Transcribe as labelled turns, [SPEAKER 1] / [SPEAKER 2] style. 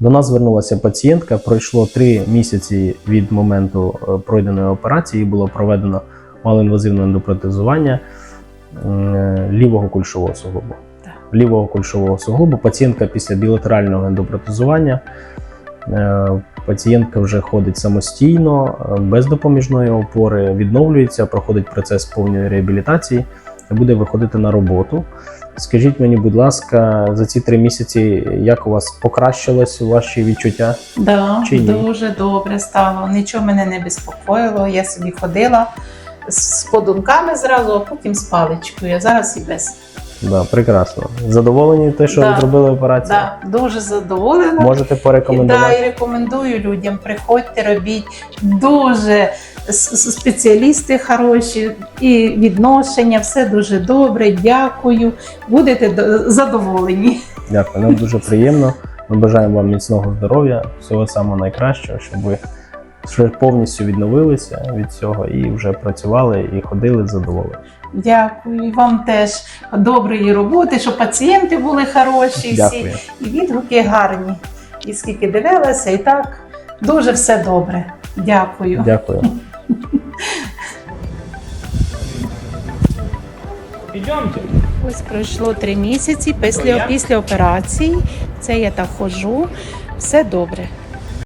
[SPEAKER 1] До нас звернулася пацієнтка, пройшло 3 місяці від моменту пройденої операції, було проведено малоінвазивне ендопротезування лівого кульшового суглобу. Лівого кульшового суглобу. Пацієнтка після білатерального ендопротезування, пацієнтка вже ходить самостійно, без допоміжної опори, відновлюється, проходить процес повної реабілітації і буде виходити на роботу. Скажіть мені, будь ласка, за ці 3 місяці, як у вас покращилось ваші відчуття?
[SPEAKER 2] Да,
[SPEAKER 1] Чи ні?
[SPEAKER 2] дуже добре стало. Нічого мене не безпокоїло. Я собі ходила з подунками зразу, а потім з паличкою. А зараз і без.
[SPEAKER 1] Да, прекрасно. Задоволені те, що
[SPEAKER 2] Да.
[SPEAKER 1] зробили операцію?
[SPEAKER 2] Да, дуже задоволена.
[SPEAKER 1] Можете
[SPEAKER 2] Да,
[SPEAKER 1] порекомендувати?
[SPEAKER 2] і рекомендую людям, приходьте, робіть. Дуже спеціалісти хороші, і відношення, все дуже добре, дякую. Будете задоволені.
[SPEAKER 1] Дякую, нам дуже приємно. Ми бажаємо вам міцного здоров'я, всього самого найкращого, щоб ви вже повністю відновилися від цього і вже працювали і ходили задоволені.
[SPEAKER 2] Дякую. І вам теж доброї роботи, щоб пацієнти були хороші,
[SPEAKER 1] Дякую.
[SPEAKER 2] всі, і відгуки гарні. І скільки дивилася, і так дуже все добре. Дякую.
[SPEAKER 1] Дякую.
[SPEAKER 2] Ось пройшло 3 місяці після операції. Це я так ходжу. Все добре.